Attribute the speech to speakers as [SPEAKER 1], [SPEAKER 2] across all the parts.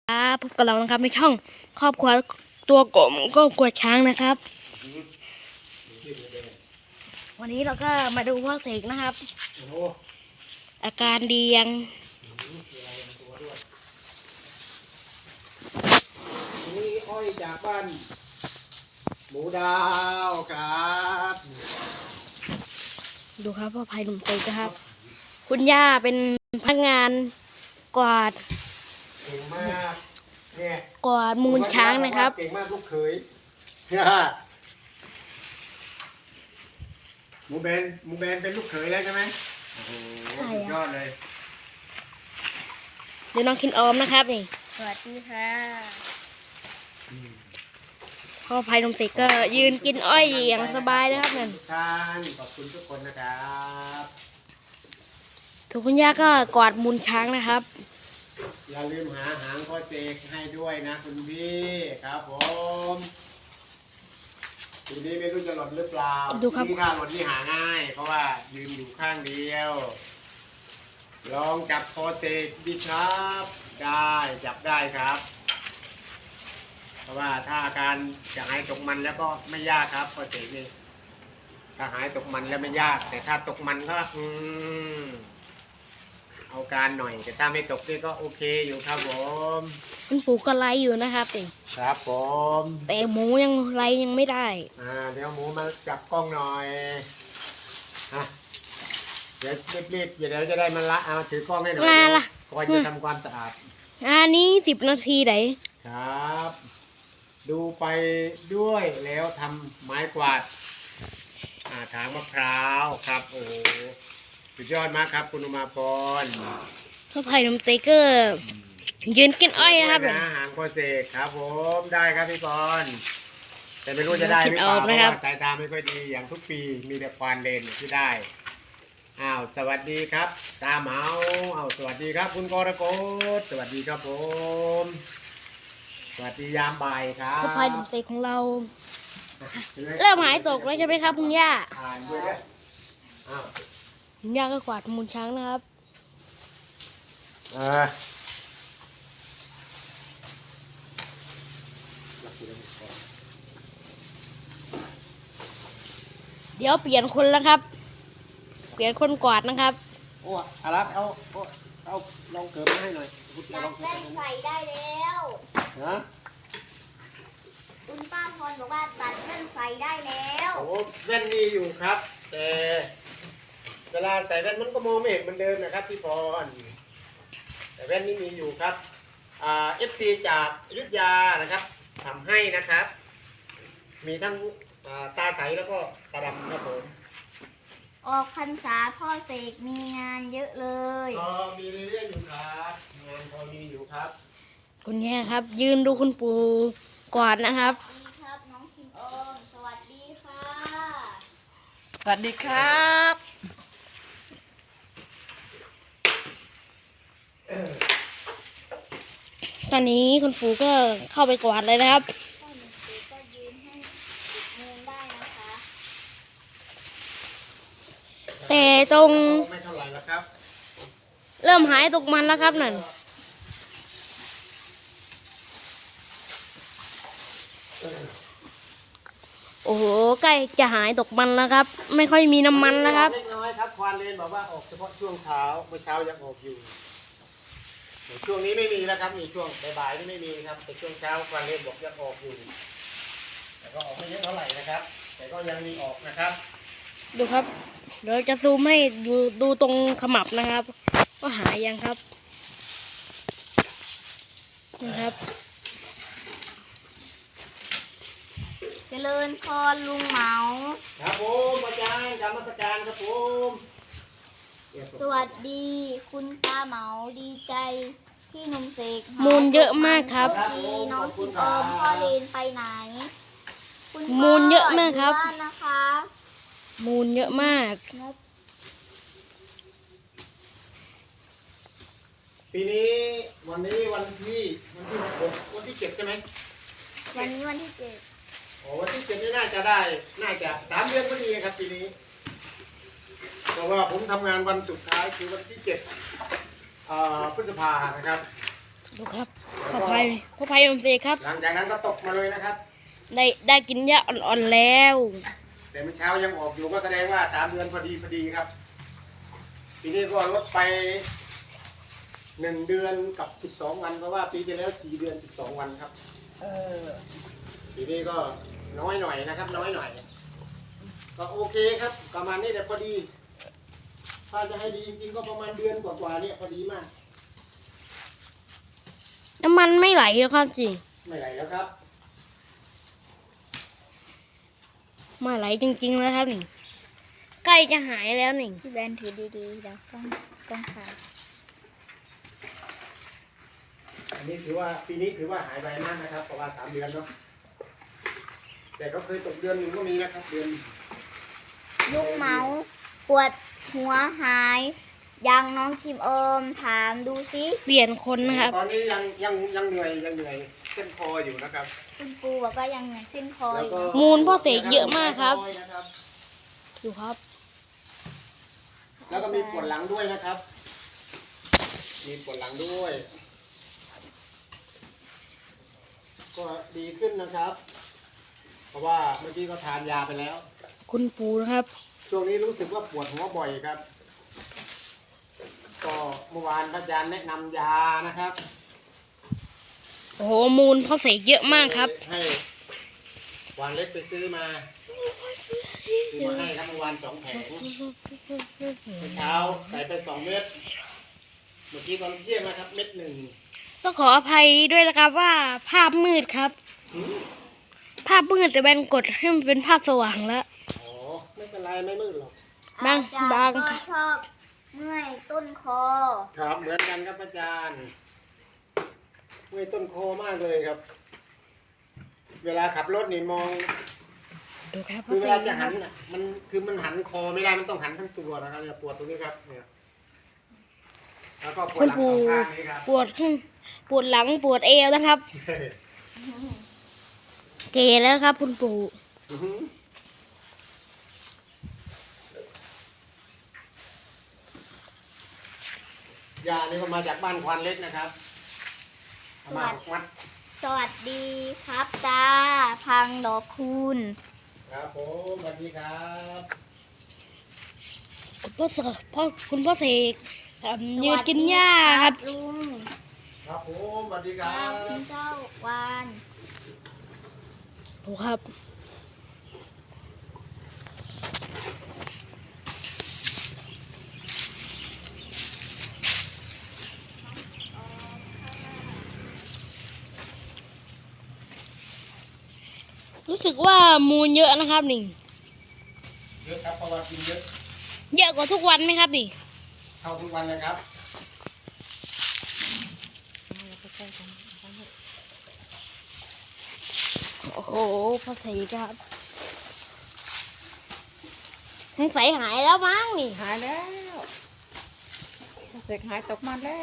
[SPEAKER 1] พบกับเรานะครับในช่องครอบครัวตัวกลมครอบครัวช้างนะครับวันนี้เราก็มาดูพ่อเสกนะครับอาการดียัง
[SPEAKER 2] นี่อ้อยจากบ้านหมูดาวครับ
[SPEAKER 1] ดูครับพ่อภัยหนุ่มเสกครับคุณย่าเป็นพนักงานกวาด
[SPEAKER 2] เก่งมากเนี่ย
[SPEAKER 1] กวาดมูลช้างนะครับ
[SPEAKER 2] เก่งมากลูกเขยหมูแบนเป็นลูกเขยแล้วใช่ไหมโอ้โหสุดยอดเลย
[SPEAKER 1] เดี๋ยวน้องคินออมนะครับนี่สวัสดีค่ะพ่อภัยหนุ่มเสกก็ยืนกินอ้อยอย่างสบายนะครับนั่น
[SPEAKER 2] ท่านขอบคุณทุกคนนะครับ
[SPEAKER 1] ทุกคุณย่าก็กวาดมูลช้างนะครับ
[SPEAKER 2] อย่าลืมหาหางพ่อเสกให้ด้วยนะคุณพี่ครับผมทีนี้ไม่รู้จะหล่นหรือเปล่า
[SPEAKER 1] ดูครับ
[SPEAKER 2] ที่ถ้าหล่นนี่หาง่ายเพราะว่ายืนอยู่ข้างเดียวลองจับพ่อเสกดีครับได้จับได้ครับเพราะว่าถ้าอาการจะหายตกมันแล้วก็ไม่ยากครับพ่อเสกนี่ถ้าหายตกมันแล้วไม่ยากแต่ถ้าตกมันก็เอาการหน่อยแต่ถ้าไม่ตกนี่ก็โอเคอยู่ครับผม
[SPEAKER 1] คุณปู่ก็ไล่อยู่นะครับ
[SPEAKER 2] ครับผม
[SPEAKER 1] แต่หมูยังไล่ยังไม่ได้
[SPEAKER 2] เดี๋ยวหมูมาจับกล้องหน่อยเดี๋ยวรีบๆเดี๋ยวจะได้มาละถือกล้องให้หน่อยก่อนจะทำความสะอาด
[SPEAKER 1] นี้10 นาทีไหน
[SPEAKER 2] ครับดูไปด้วยแล้วทำไม้กวาดถางมะพร้าวครับโอ้สุดยอดมากครับคุณอุมาพร
[SPEAKER 1] พ่อไผ่นมเตเกอร์ยืนกินอ้อยนะครับ
[SPEAKER 2] หางพ่อเสกครับผมได้ครับพี่พรแต่ไม่รู้จะได้หรือเปล่าเพราะว่าสายตาไม่ค่อยดีอย่างทุกปีมีแต่ควานเลนที่ได้สวัสดีครับตาเหมาสวัสดีครับคุณกรกฎสวัสดีครับผมสวัสดียามบ่ายครับ
[SPEAKER 1] พ่อไผ่นมเตกของเราเริ่มหายตกแล้วใช่ไหมครับคุณย่าคุณย่าก็กวาดมูลช้างนะครับเดี๋ยวเปลี่ยนคนแล้วครับเปลี่ยนคนกวาดนะครับ
[SPEAKER 2] โอ้อารักเอาลองเกิดมาให้หน่อย
[SPEAKER 3] ตัดแว่นใส่ได้แล้วคุณป้าพรบอกว่าตัดแว่นใส่ได้แล้ว
[SPEAKER 2] โอ้แว่นมีอยู่ครับแต่เวลาใส่แว่นมันก็มองไม่เห็นเหมือนเดิมนะครับพี่พรแต่แว่นนี้มีอยู่ครับFC จากอยุธยานะครับทำให้นะครับมีทั้งตาใสแล้วก็ตาดำครับผม
[SPEAKER 3] ออกพรรษาพ่อเสกมีงานเยอะเลย
[SPEAKER 2] มีเรื่อยๆอยู่ครับงานพอมีอยู่ครับ
[SPEAKER 1] คุณแม่ครับยืนดูคุณปู่กวาดนะครับ
[SPEAKER 3] สวัสดีครับน้องคิมออมสวัสดีค่ะ
[SPEAKER 4] สวัสดีครับ
[SPEAKER 1] ตอนนี้คุณปู่ก็เข้าไปกวาดเลยนะครับ
[SPEAKER 3] พ่อหนุ่มปู่ก็ยืนให้เงินได้นะคะ
[SPEAKER 1] แต่ตรง
[SPEAKER 2] ไม่เท่าไหร่แล้วครับ
[SPEAKER 1] เริ่มหายตกมันแล้วครับนั่นโอ้โหใกล้จะหายตกมันแล้วครับไม่ค่อยมีน้ำมันแล้วครับ
[SPEAKER 2] เล็กน้อยครับควานเลนบอกว่าออกเฉพาะช่วงเช้าเมื่อเช้ายังออกอยู่ช่วงนี้ไม่มีแล้วครับมีช่วงบ่ายๆนี่ไม่มีครับแต่ช่วงเช้าควานเลนบอกยังออกอยู่แต่ก็ออกไม่เยอะเท่าไหร่นะครับแต่ก็ยังมีออกนะครับ
[SPEAKER 1] ดูครับเดี๋ยวจะซูมให้ดูตรงขมับนะครับว่าหายยังครับนะครับ
[SPEAKER 3] เจริญพรลุงเหมา
[SPEAKER 2] ครับผมอาจารย์กรรมสการครับผม
[SPEAKER 3] สวัสดีคุณตาเหมาดีใจที่นุ่มเสก
[SPEAKER 1] มูลเยอะมากครับ
[SPEAKER 3] น้องคิมออมพ่อเลนไปไหน
[SPEAKER 1] มูลเยอะมากครับ
[SPEAKER 3] นะคะ
[SPEAKER 1] มูลเยอะมาก
[SPEAKER 2] ปีนี้วันที่6วันที่7ใช่ไหม
[SPEAKER 3] วันนี้วันที่7
[SPEAKER 2] วันที่7นี่น่าจะ3 เดือนพอดีครับปีนี้เพราะว่าผมทำงานวันสุดท้ายคือวันที่7พฤษภานะครับ
[SPEAKER 1] ดูครับพ่อพายลมเซครับ
[SPEAKER 2] หลังจากนั้นก็ตกมาเลยนะครับ
[SPEAKER 1] ได้กินหญ้าอ่อนๆแล้ว
[SPEAKER 2] แต่เมื่อเช้ายังออกอยู่ก็แสดงว่า3 เดือนพอดีครับปีนี้ก็ลดไป1 เดือนกับ12 วันเพราะว่าปีที่แล้ว4 เดือน12 วันครับ
[SPEAKER 4] เออ
[SPEAKER 2] ปีนี้ก็น้อยหน่อยนะครับ น้อยหน่อย ก็โอเคครับประมาณนี้แต่พอดี ถ้าจะให้ดีจริงๆก็ประมาณเดือนกว่าๆเนี่ยพอดีมาก
[SPEAKER 1] น้ำมันไม่ไหลแล้วครับจริง
[SPEAKER 2] ไม่ไหลแล้วครับ
[SPEAKER 1] ไม่ไหลจริงๆแล้วครับนี่ใกล้จะหายแล้วนี่
[SPEAKER 3] พี่แบนถือดีๆแล้วต้องขาด
[SPEAKER 2] อันนี้ถือว่าปีนี้ถือว่าหายไปมากนะครับเพราะว่า3 เดือนเนาะแต่ก็เคยตกเดือนหนึ่งก็มีนะครับเดือน
[SPEAKER 3] ลุงเมาปวดหัวหาย ยังน้องคิมถามดูซิ
[SPEAKER 1] เปลี่ยนคนนะครับ
[SPEAKER 2] ตอนนี้ยังเหนื่อยเส้นคออยู่นะครับ
[SPEAKER 3] คุณปูบอกว่ายังเหนื่อยเส้นคอ
[SPEAKER 2] แล้ว
[SPEAKER 3] อยู่
[SPEAKER 2] ก็
[SPEAKER 1] มูลพ่อเสกเยอะมากครับ
[SPEAKER 2] นะครับ
[SPEAKER 1] ดูครับ
[SPEAKER 2] แล้วก็มีปวดหลังด้วยนะครับ มีปวดหลังด้วย ก็ดีขึ้นนะครับ เพราะว่าเมื่อกี้ก็ทานยาไปแล้ว
[SPEAKER 1] คุณปู่นะครับ
[SPEAKER 2] ช่วงนี้รู้สึกว่าปวดหัวบ่อยครับ ก็เมื่อวานพระอาจารย์แนะนำยานะครับ
[SPEAKER 1] โอ้โหมูลพ่อเสกเยอะมากครับ
[SPEAKER 2] ให้วานเล็กไปซื้อมาให้ครับเมื่อวาน2 แผงเมื่อเช้าใส่ไป2 เม็ด เมื่อกี้ตอนเที่ยงนะครับ 1 เม็ด
[SPEAKER 1] ต้องขออภัยด้วยนะครับว่าภาพมืดครับ ภาพมืดแต่แบนกดให้มันเป็นภาพสว่างแล้ว
[SPEAKER 2] อ๋อไม่เป็นไรไม่มืดหรอก
[SPEAKER 1] บาง
[SPEAKER 3] อาจารย์ก็
[SPEAKER 1] ค่ะ
[SPEAKER 3] ชอบเมื่อยต้นคอ
[SPEAKER 2] ครับเหมือนกันครับอาจารย์เมื่อยต้นคอมากเลยครับ เวลาขับรถนี่มอง
[SPEAKER 1] ดูครับ
[SPEAKER 2] คือเวลาจะหันน่ะมันหันคอไม่ได้มันต้องหันทั้งตัวนะครับเนี่ยปวดตรงนี้ครับเนี่ยแล้วก็ปว
[SPEAKER 1] คุ
[SPEAKER 2] ด
[SPEAKER 1] ณ
[SPEAKER 2] หลัง
[SPEAKER 1] ปู่
[SPEAKER 2] 2 ข้างนี้ครับ
[SPEAKER 1] ปวดขึ้นปวดหลังปวดเอวนะครับ เกแล้วครับ คุณปู่
[SPEAKER 2] อื้อหือยานี่ก็มาจากบ้านควันเล็กนะครับเอามา6 มัด
[SPEAKER 3] สวัสดีครับตาพังดอกคูณ
[SPEAKER 2] ครับผมสวัสดีครับ
[SPEAKER 1] คุณพ่อเสกยืนกินหญ้าครับ
[SPEAKER 3] ลุง
[SPEAKER 2] ครับผมสวัสดีค
[SPEAKER 3] ค
[SPEAKER 2] รั
[SPEAKER 3] รับ คุณเจ้าวาน
[SPEAKER 1] ดูครับ รู้สึกว่ามูลเยอะนะครับนี่
[SPEAKER 2] เยอะครับเพราะว่ากินเยอะ
[SPEAKER 1] เยอะกว่าทุกวันไหมครับนี่
[SPEAKER 2] เท่าทุกวันเลยครับ
[SPEAKER 1] โอ้โหพ่อเสกครับสงสัยหายแล้วมั้งนี่
[SPEAKER 4] หายแล้วเสกหายตกมาแล้ว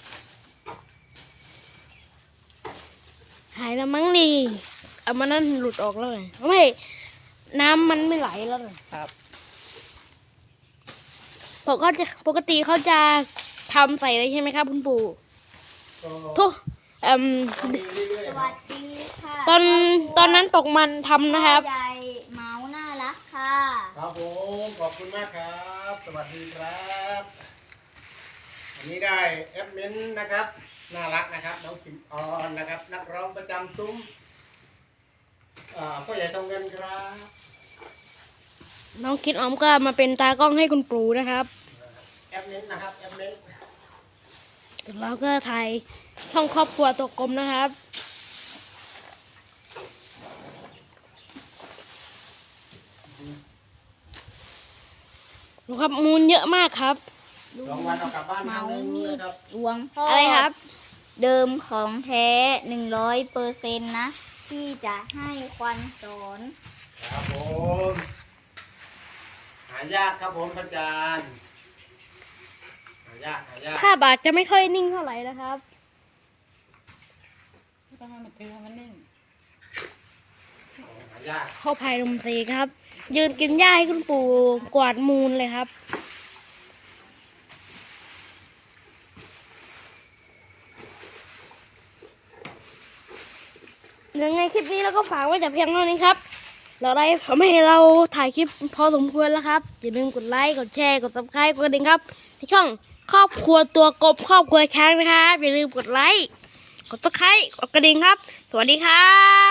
[SPEAKER 1] หายแล้วมั้งนี่เอามานั่นหลุดออกแล้วไงไม่น้ำมันไม่ไหลแล้วเลย
[SPEAKER 4] ครับ
[SPEAKER 1] ปกติเขาจะทำใส่เลยใช่ไหมครับคุณปู่
[SPEAKER 2] ก็
[SPEAKER 1] ทุก
[SPEAKER 2] ก็มีเรื่อย
[SPEAKER 3] ส
[SPEAKER 2] ๆค
[SPEAKER 3] วั
[SPEAKER 2] รับ
[SPEAKER 3] สดีค่ะ
[SPEAKER 1] ตอนนั้นตกมันทำนะครับ
[SPEAKER 3] พ่อใหญ่เมาน่ารักค่ะ
[SPEAKER 2] ครับผมขอบคุณมากครับ สวัสดีครับอันนี้ได้แอดมินนะครับน่ารักนะครับน้องคิมออนนะครับ นักร้องประจำซุ้มพ่อใหญ่ทองเงินครับ
[SPEAKER 1] น้องคิดออมก็มาเป็นตากล้องให้คุณปู่นะครับ
[SPEAKER 2] แอดมินนะครับแอดมิน
[SPEAKER 1] แล้วก็ถ่ายช่องครอบครัวตัวกลมนะครับดูครับมูลเยอะมากครับ
[SPEAKER 2] 2 วันเอากลับบ้านครั้งหนึงนะครับ
[SPEAKER 3] หลวงพ่อ
[SPEAKER 1] อะ
[SPEAKER 3] อะไร
[SPEAKER 1] ครับ
[SPEAKER 3] เดิมของแท้100%นะที่จะให้ควันสอน
[SPEAKER 2] ครับผมหายากครับผมอาจารย์หายาก
[SPEAKER 1] ภาพอาจจะไม่ค่อยนิ่งเท่าไหร่นะครับ
[SPEAKER 4] ต้องให้มันตึงให้มันนิ่ง
[SPEAKER 2] หายาก
[SPEAKER 1] เข้าภายลมเซครับ ยืนกินหญ้าให้คุณปู่กวาดมูลเลยครับ
[SPEAKER 2] 2
[SPEAKER 1] ยังไงคลิปนี้เราก็ฝากไว้แต่เพียงเท่านี้ครับ เราได้ทำให้เราถ่ายคลิปพอสมควรแล้วครับอย่าลืมกดไลค์กดแชร์กด subscribe กดกระดิ่งครับในช่องครอบครัวตัวกบครอบครัวช้างนะครับอย่าลืมกดไลค์กด subscribe กดกระดิ่งครับสวัสดีครับ